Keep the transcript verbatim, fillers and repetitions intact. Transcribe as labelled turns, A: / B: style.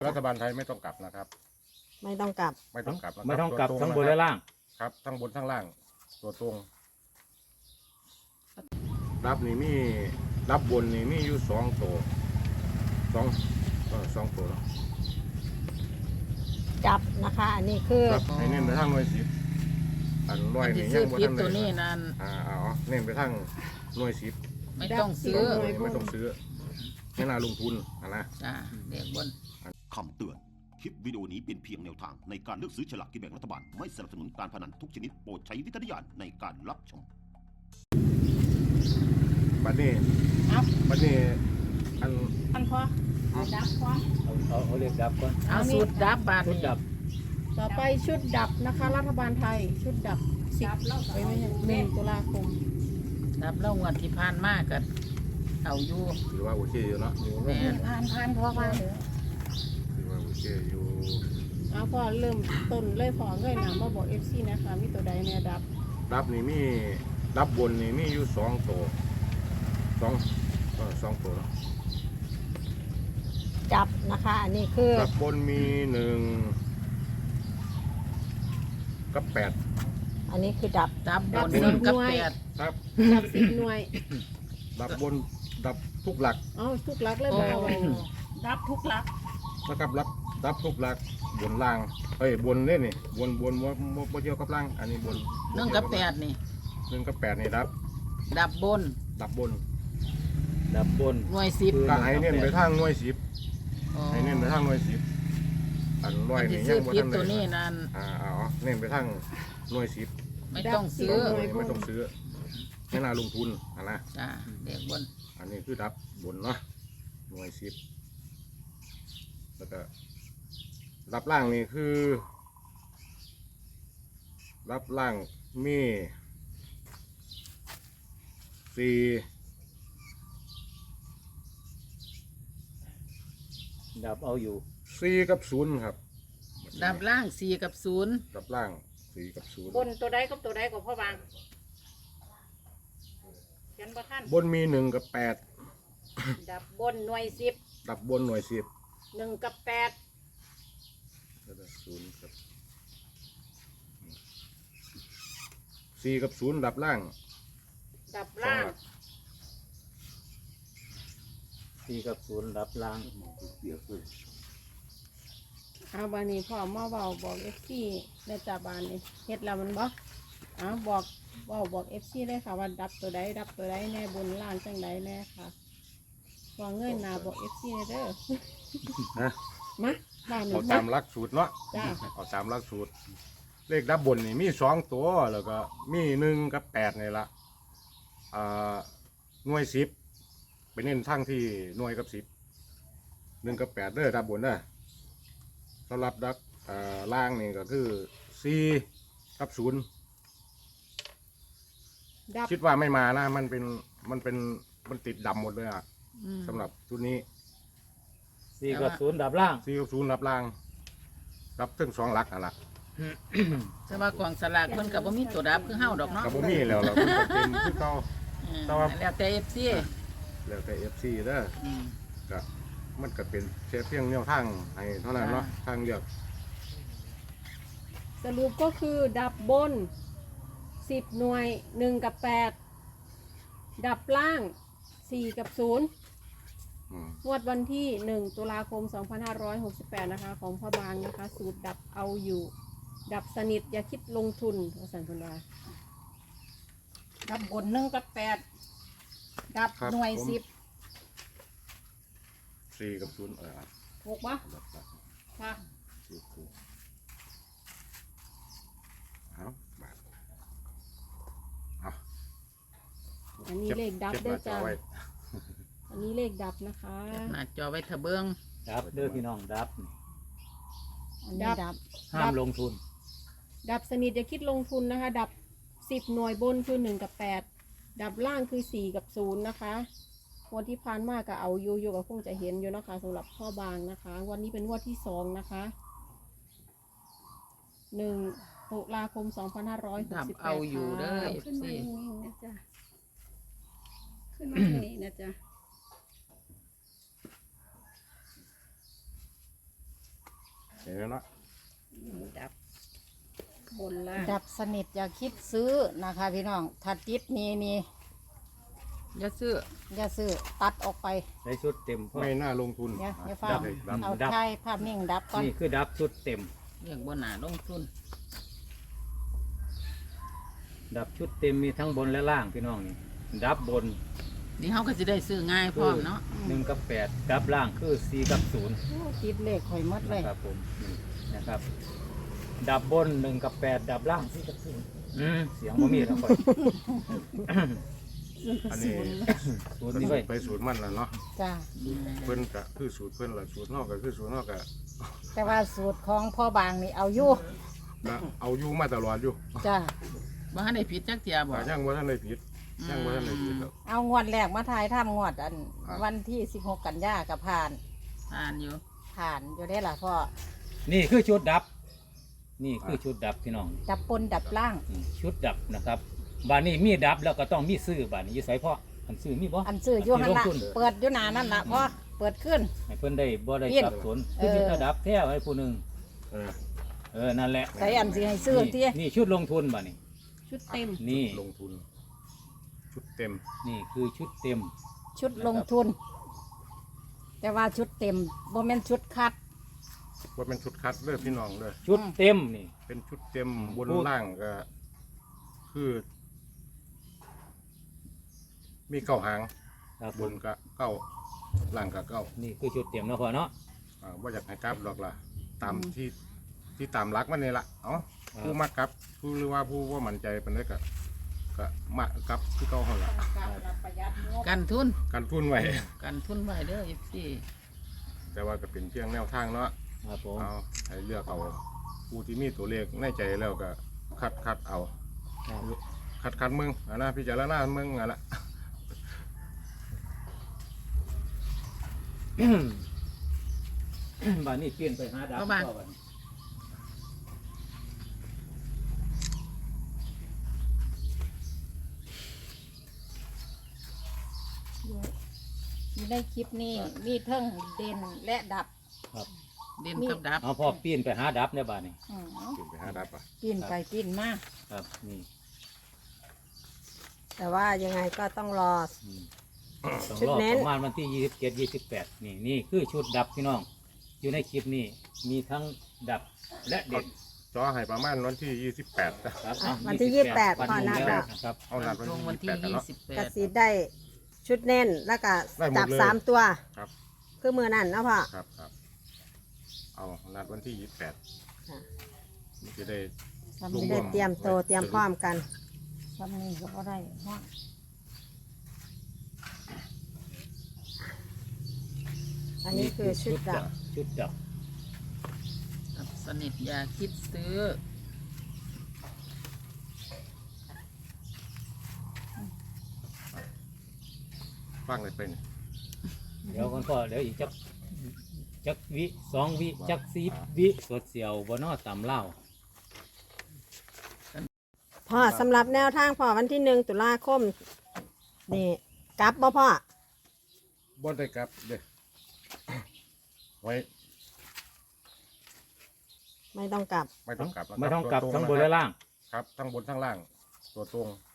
A: รัฐบาลไทยไม่ต้องกลับนะครับ
B: ไม่ต้องกลับ
A: ไม่ต้องกลับ
C: ไม่ต้องกลับทั้งบนและล่าง
A: ครับทั้งบนทั้งล่างตัวตรงรับนี่มีรับบนนี่มีอยู่สองตัวสองเออสองตัว
B: จับนะคะอันนี้คือ
A: รับให้เน้นไปทางหน่วยสิบอันร้อยนี่ยังบ่ทันได้ตัวนี้นั่นอ่าอ๋อเน้นไปทางหน่วยสิบ
D: ไม่ต้องซื้อ
A: ไม่ต้องซื้อไม่น่าลงทุนนะ
D: จ้าเด็กบน
E: คำเตือนคลิปวิดีโอนี้เป็นเพียงแนวทางในการเลือกซื้อฉลากกินแบ่งรัฐบาลไม่สนับสนุนการพนันทุกชนิดโปรดใช้วิจารณญาณในการรับชม
A: บัดนี้บัดนี้อัน
B: อันพอเอาดับพอ
C: เอาเอาเอาเรียกดับก่อน
D: เอาสูตรดับบาท
C: ชุดดับ
B: ต่อไปชุดดับนะคะรัฐบาลไทยชุดดับสิบไปไม่ใช่หนึ่งตุลาคม
D: ดับแล้วงวดที่ผ่านมากันเอาอยู่
A: ถือว่าโอเคอยู่เนาะ
D: แม่
B: ผ่านผ่านพอผ่าน
A: ถือว่าโอเคอยู่
B: เอาพอเริ่มต้นเลยพอเงยหนามาบอกเอฟซีนะคะมีตัวใดเนี่ยดับ
A: ดับนี่มีดับบนนี่มีอยู่สองตัวสองเออสองตัว
B: จับนะคะอันนี้คือ
A: ดับบนมีหนึ่งกับแปด
B: อันนี้คือดับ
D: ดับบนหนึ่งกับแปด
A: ครับ
B: ดับสิบหน่วย
A: ดับบนดับทุกหลัก
B: อ๋อทุกหลักเลยบ่ดับทุกหลัก
A: นะครับหลักดับทุกหลักบนล่างเฮ้ยบนเนี่ยนี่บนบนว่าบ่เกี่ยวกับล่างอันนี้บน
D: หนึ่งกับแปดนี่
A: หนึ่งกับแปดนี่ดับ
D: ดับบน
A: ดับบน
C: ดับบน
D: หน่วยสิบ
A: ก็ให้เน้นไปทางหน่วยสิบให้เน้นไปทางหน่วยสิบอันร้อยนี่ยังบ่ทันได้
D: ตัวนี้นั่น
A: อ่าอ๋อเน้นไปทางหน่วยสิบ
D: ไม่ต้องซื้อ
A: ไม่ต้องซื้อไม่น่าลงทุนอ่ะนะ
D: จ้าเด็กบน
A: อันนี้คือดับบนเนาะหน่วยสิบแล้วก็รับล่างนี่คือรับล่างมีสี่
C: ดับเอาอยู่
A: สี่กับศูนย์ครับ
D: ดับล่างสี่กับศูนย์
A: ดับล่างสี่กับศูนย์
B: บนตัวใดกับตัวใดกับพ่อบางเขียนบ่ทัน
A: บนมีหนึ่งกับแปด
B: ดับบนหน่วยสิบ
A: ดับบนหน่วยสิบ
B: หนึ่งกับแปด
A: ศูนย์กับสี่กับศูนย์ดับล่าง
B: ดับล่าง
C: สี่กับศูนย์ดับล่าง
B: เอาบานี้พ่อมาเบาบอกเอฟซีในจ่าบานนี่เฮ็ดแล้วมันบ่เอาบอกเบาบอกเอฟซีเลยค่ะว่าดับตัวใดดับตัวใดแน่บนล่างจังใดแน่ค่ะพอเงยหน้าบอกเอฟซีเด้อ
A: ฮะ
B: มา
A: เอาตามหลักสูตรเนาะเอาตามหลักสูตรเลขดับบนนี่มีสองตัวแล้วก็มีหนึ่งกับแปดนี่ละอ่าหน่วยสิบไปเน้นทั้งที่หน่วยกับสิบหนึ่งกับแปดเด้อดับบนเด้อสำหรับดักอ่าล่างนี่ก็คือสี่กับศูนย์คิดว่าไม่มานะมันเป็นมันเป็นมันติดดำหมดเลยอ่ะสำหรับชุดนี้
C: สี่กับศูนย์ดับล่าง
A: สี่กับศูนย์ดับล่างดับถึงสองหลักอ่ะล่ะ
D: แต่ว่ากองสลากมันกับบ่มีตัวดับคือเฮาดอกเนาะ
A: กับบ่มีแล้วเราเป็นคือเก่า
D: แล้วแต่ เอฟ ซี
A: แล้วแต่ เอฟ ซี เด้อก็มันก็เป็นเพียงแนวทางให้เท่านั้นเนาะทางเดียว
B: สรุปก็คือดับบนสิบหน่วยหนึ่งกับแปดดับล่างสี่กับศูนย์งวดวันที่หนึ่งตุลาคมสองพันห้าร้อยหกสิบแปดนะคะของพ่อบางนะคะสูตรดับเอาอยู่ดับสนิทอย่าคิดลงทุนอาจารย์พลาดับบนหนึ่งกับแปดดับหน่วยสิบ
A: สี่กับศูนย์เออ
B: ถูกปะค่ะ
A: เอาเอา
B: อันนี้เลขดับได้จ้าอันนี้เลขดับนะคะ
D: หน้าจอไว้ทะเบิ้ง
C: ดับเด้อพี่น้องดับ
B: อันนี้ดับ
C: ห้ามลงทุน
B: ดับสนิทอย่าคิดลงทุนนะคะดับสิบหน่วยบนคือหนึ่งกับแปดดับล่างคือสี่กับศูนย์นะคะวันที่ผ่านมาก็เอาอยู่อยู่กับคงจะเห็นอยู่นะคะสำหรับพ่อบางนะคะวันนี้เป็นวันที่สองนะคะหนึ่งตุลาคมสองพันห้าร้อยหกสิบแปด
D: เอาอยู่เด้อ
B: ขึ้นมาอย่างนี้นะจ๊ะขึ้นมาอย่างนี้นะจ๊ะ
A: เห็นไหมเนาะ
B: ดับบนล่าง
F: ดับสนิทอย่าคิดซื้อนะคะพี่น้องถ้าติดนี่นี่
D: อย่าซื้อ
F: อย่าซื้อตัดออกไป
C: ในชุดเต็มพ่อ
A: ไม่น่าลงทุน
F: เดี๋ยวเดี๋ยวฟั
A: ดั
F: ง
A: บเลยดับ
F: เอา
C: ดับ
F: ถ่ายภาพนิ่งดับก่อน
C: นี่คือดับชุดเต็ม
D: เรียกบ่น่าลงทุน
C: ดับชุดเต็มมีทั้งบนและล่างพี่น้องนี่ดับบน
D: นี่เฮาก็สิได้ซื้อง่ายพร้อมเนาะ
C: หนึ่งกับแปดดับล่างคือสี่กับศูนย์
F: โอ้ติดเลขข่อยหมดเลย
C: นะครับผมนี่นะครับ ดับบนหนึ่งกับแปดดับล่างสี่กับศูนย์อืมเสียงบ่มีแล้วค่อย
A: อันนี้
C: ศูนย์
A: ก็
C: นี่
A: สู
C: ไว้
A: ตรไปสูตรมันแล้วเนาะ
F: จ้า
A: เพิ่นก็คือสูตรเพิ่นละสูตรนอกก็คือสูตรนอกก็
F: แต่ว่าสูตรของพ่อบางนี่เอาอยู่
A: ก็เอาอยู่มาตลอดอยู่
F: จ้า
D: บ่ทันได้ผิดจักเที่ยบ่
A: ก็ยังบ่ทันได้ผิดยังบ่ทันได้ผิดหรอก
F: เอางวดแรกมาทายทำงวดอัน
A: ครับ
F: วันที่สิบหกกันยากับผ่าน
D: อ่านอยู่
F: ผ่านอยู่ได้ล่ะพ่อ
C: นี่คือชุดดับ นี่คือชุดดับพี่น้อง
F: ดับปนดับล่าง
C: อืมชุดดับนะครับบานนี้มีดับแล้วก็ต้องมีซื้อบานนี้อยี่ไสพ่ออันซื้อมีบ่
F: อันซื้ออยู่หันละ
C: ที่ลงทุน
F: เปิดอยู่หนานั่นละพ่อเปิดขึ้น
C: ให้เพิ่นได้บ่ได้
F: เปลี่ยน
C: สับสน
F: เอ
C: คือ
F: อ
C: ชุดดับแท้ให้ผู้หนึง
A: เออ
C: เออนั่นแหละ
F: ใส่อันสิให้ซื้อ
C: นี่
F: ที่
C: นี่ชุดลงทุนบานี้
B: ชุดเต็ม
C: นี่
A: ลงทุน ชุดเต็ม
C: นี่คือชุดเต็ม
F: ชุดลงทุน แต่ว่าชุดเต็มโมเมนชุดคัด
A: ว่าเป็นชุดคัดเด้อพี่น้องเด้อ
C: ชุดเต็มนี่
A: เป็นชุดเต็มบน
C: พูด
A: ล่างก็ คือ มีเก้าหาง
C: ครับ
A: บนก็เก้าล่างก็เก้า
C: นี่คือชุดเต็มเนาะพ่อเนาะ
A: อ่าว่าอยากให้กลับหรอกล่ะ ตามที่ที่ตามรักมันนี่ละเอ้า
C: ครับ
A: ผู้มากลับผู้หรือว่าผู้ว่ามั่นใจเป็นได้ก็ก็มากลับที่เก้าหันละ
D: กันทุน
A: การทุนไว้
D: กันทุนไว้เด้อ เอฟ ซี
A: แต่ว่าก็เป็นเพียงแนวทางเนาะ
C: ครับผม
A: เอาให้เลือกเอาผู้ที่มีตัวเลขในใจแล้วก็คัดคัดเอา
C: ครับ
A: คัดคัดมึงอันนะพิจารณามึงอันละ
C: บานนี้เปลี่ยนไปหาดับ
D: เอาบ้าน
C: พ่อบัดนี้
F: อยู่ในคลิปนี้มีเทิงเด่นและดับ
C: ครับ
D: เด่นกับดับ
C: เอาพ่อเปลี่ยนไปหาดับในบ้านนี้
F: อืม
A: กินไปหาดับอ่ะ
F: ปีนไปปีนมา
C: ครับนี่
G: แต่ว่ายังไงก็ต้องรอ
C: อืมต้อง
G: ชุด
C: รอ
G: เน้น
C: ประมาณวันที่ยี่สิบเจ็ดยี่สิบแปดนี่นี่คือชุดดับพี่น้อง อยู่ในคลิปนี้มีทั้งดับและเด็ด
A: จอให้ประมาณวันที่ยี่สิบแปดนะครับ
C: อ่ะ
G: วันที่ยี่สิบแปด
C: วัน
G: พอนะ
C: แล้ว
G: คะ
C: นะครับ
A: เอานัดวัน
D: ตรง
A: ที่
D: วัน
A: ยี่สิบ
D: ที่
A: แปดกัน
D: ยี่
A: เนาะ
D: สิบแป
G: ก
D: ด
G: สีได้ชุดเน้นแล้วก็
A: ได้หมด
G: จับ
A: เลย
G: สามตัว
A: ครับ
G: คือมือนั่นนะพ่อ
A: ครับครับเอานัดวันที่ยี่สิบแปด
G: ค่ะ
A: จะได้
F: ทำ
A: ลง
F: นี่
G: ได้
F: ได้
G: เตรียมโตวเตรียมพร้อมกัน
F: ทำนี่ก็บ่ได้ห้อง
G: อันนี้คือชุดดับ
C: ชุดดับ
D: ดับสนิทอย่าคิดซื้อ
A: ฟังเลยเป็น
C: เดี๋ยวกันพ่อเดี๋ยวอีกจักจักวิสองวิจักสีวิสดเสียวบนนอต่ำเล่า
G: พ่อสำหรับแนวทางพ่อวันที่หนึ่งตุลาคมนี่กลับบ่พ่อ
A: บนได้กลับเด้อ ไว้
G: ไม่ต้องกลับ
A: ไม่ต้องกลับนะครั
C: ไม่ต้องกลับ
A: ตัว
C: ทั้งบน
A: นะค
C: และ
A: รับ
C: ล่าง
A: ครับทั้งบนทั้งล่าง ตัวตรง